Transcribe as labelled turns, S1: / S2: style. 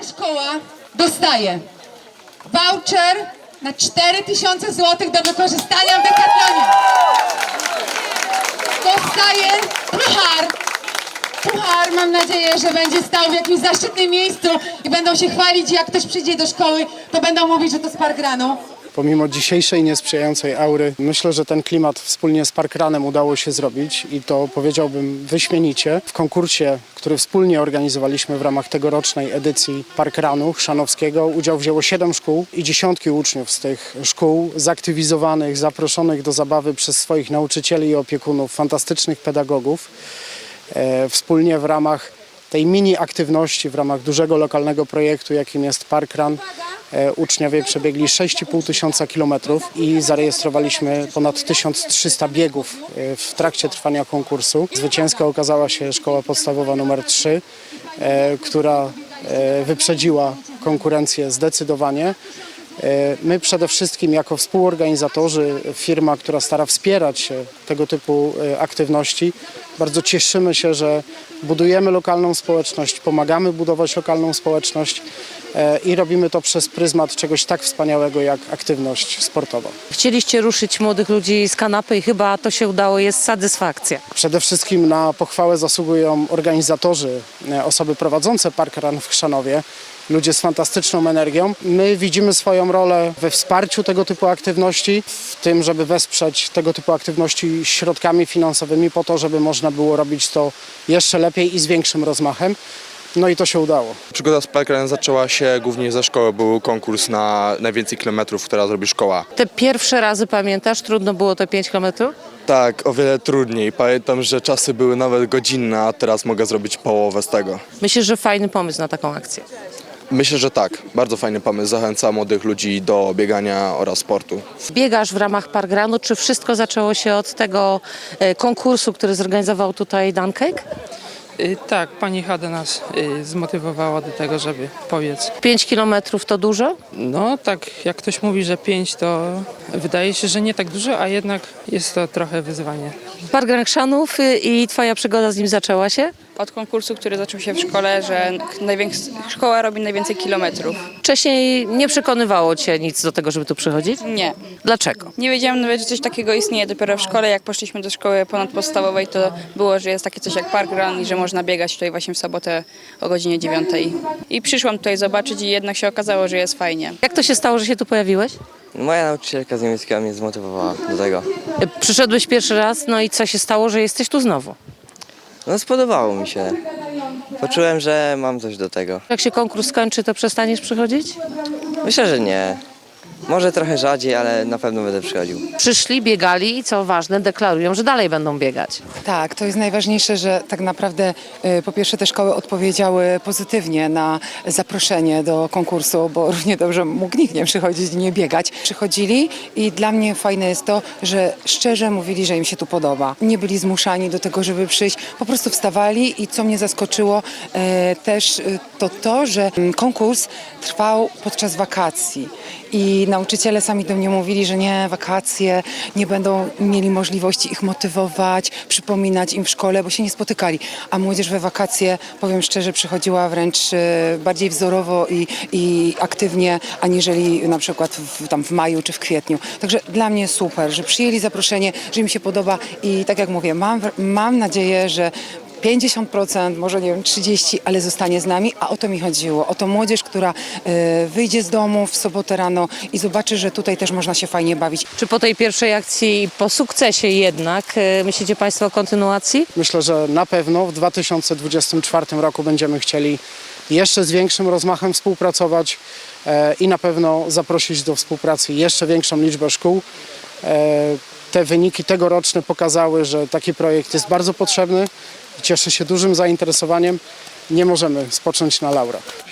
S1: szkoła dostaje voucher na 4000 zł do wykorzystania w Decathlonie. Dostaje puchar. Puchar, mam nadzieję, że będzie stał w jakimś zaszczytnym miejscu i będą się chwalić, jak ktoś przyjdzie do szkoły, to będą mówić, że to z parkranu.
S2: Pomimo dzisiejszej niesprzyjającej aury, myślę, że ten klimat wspólnie z Parkranem udało się zrobić i to powiedziałbym wyśmienicie. W konkursie, który wspólnie organizowaliśmy w ramach tegorocznej edycji Parkranu Chrzanowskiego, udział wzięło 7 szkół i dziesiątki uczniów z tych szkół zaktywizowanych, zaproszonych do zabawy przez swoich nauczycieli i opiekunów, fantastycznych pedagogów. Wspólnie w ramach tej mini aktywności, w ramach dużego lokalnego projektu, jakim jest Parkran, uczniowie przebiegli 6500 kilometrów i zarejestrowaliśmy ponad 1300 biegów w trakcie trwania konkursu. Zwycięską okazała się szkoła podstawowa nr 3, która wyprzedziła konkurencję zdecydowanie. My przede wszystkim jako współorganizatorzy, firma, która stara wspierać się tego typu aktywności, bardzo cieszymy się, że budujemy lokalną społeczność, pomagamy budować lokalną społeczność i robimy to przez pryzmat czegoś tak wspaniałego jak aktywność sportowa.
S3: Chcieliście ruszyć młodych ludzi z kanapy i chyba to się udało, jest satysfakcja.
S2: Przede wszystkim na pochwałę zasługują organizatorzy, osoby prowadzące Parkran w Chrzanowie, ludzie z fantastyczną energią. My widzimy swoją rolę we wsparciu tego typu aktywności, w tym, żeby wesprzeć tego typu aktywności środkami finansowymi po to, żeby można było robić to jeszcze lepiej i z większym rozmachem. No i to się udało.
S4: Przygoda z Parkranem zaczęła się głównie ze szkoły. Był konkurs na najwięcej kilometrów, która zrobi szkoła.
S3: Te pierwsze razy pamiętasz? Trudno było te 5 kilometrów?
S4: Tak, o wiele trudniej. Pamiętam, że czasy były nawet godzinne, a teraz mogę zrobić połowę z tego.
S3: Myślę, że fajny pomysł na taką akcję.
S4: Myślę, że tak. Bardzo fajny pomysł. Zachęca młodych ludzi do biegania oraz sportu.
S3: Biegasz w ramach Parkranu. Czy wszystko zaczęło się od tego konkursu, który zorganizował tutaj Duncake?
S5: Tak, pani Hada nas zmotywowała do tego, żeby pobiec.
S3: 5 kilometrów to dużo?
S5: No tak, jak ktoś mówi, że 5, to wydaje się, że nie tak dużo, a jednak jest to trochę wyzwanie.
S3: Parkran Chrzanów i twoja przygoda z nim zaczęła się?
S6: Od konkursu, który zaczął się w szkole, że szkoła robi najwięcej kilometrów.
S3: Wcześniej nie przekonywało cię nic do tego, żeby tu przychodzić?
S6: Nie.
S3: Dlaczego?
S6: Nie wiedziałam nawet, że coś takiego istnieje. Dopiero w szkole, jak poszliśmy do szkoły ponadpodstawowej, to było, że jest takie coś jak parkrun i że można biegać tutaj właśnie w sobotę o godzinie 9. I przyszłam tutaj zobaczyć i jednak się okazało, że jest fajnie.
S3: Jak to się stało, że się tu pojawiłeś?
S7: Moja nauczycielka z niemieckiego mnie zmotywowała do tego.
S3: Przyszedłeś pierwszy raz, no i co się stało, że jesteś tu znowu?
S7: No spodobało mi się. Poczułem, że mam coś do tego.
S3: Jak się konkurs skończy, to przestaniesz przychodzić?
S7: Myślę, że nie. Może trochę rzadziej, ale na pewno będę przychodził.
S3: Przyszli, biegali i co ważne, deklarują, że dalej będą biegać.
S8: Tak, to jest najważniejsze, że tak naprawdę po pierwsze te szkoły odpowiedziały pozytywnie na zaproszenie do konkursu, bo równie dobrze mógł nikt nie przychodzić i nie biegać. Przychodzili i dla mnie fajne jest to, że szczerze mówili, że im się tu podoba. Nie byli zmuszani do tego, żeby przyjść, po prostu wstawali i co mnie zaskoczyło też to, że konkurs trwał podczas wakacji. I nauczyciele sami do mnie mówili, że nie, wakacje, nie będą mieli możliwości ich motywować, przypominać im w szkole, bo się nie spotykali. A młodzież we wakacje, powiem szczerze, przychodziła wręcz bardziej wzorowo i aktywnie, aniżeli na przykład w maju czy w kwietniu. Także dla mnie super, że przyjęli zaproszenie, że im się podoba i tak jak mówię, mam nadzieję, że 50%, może nie wiem, 30%, ale zostanie z nami, a o to mi chodziło. O to młodzież, która wyjdzie z domu w sobotę rano i zobaczy, że tutaj też można się fajnie bawić.
S3: Czy po tej pierwszej akcji, po sukcesie jednak, myślicie Państwo o kontynuacji?
S2: Myślę, że na pewno w 2024 roku będziemy chcieli jeszcze z większym rozmachem współpracować i na pewno zaprosić do współpracy jeszcze większą liczbę szkół. Te wyniki tegoroczne pokazały, że taki projekt jest bardzo potrzebny, cieszy się dużym zainteresowaniem. Nie możemy spocząć na laurach.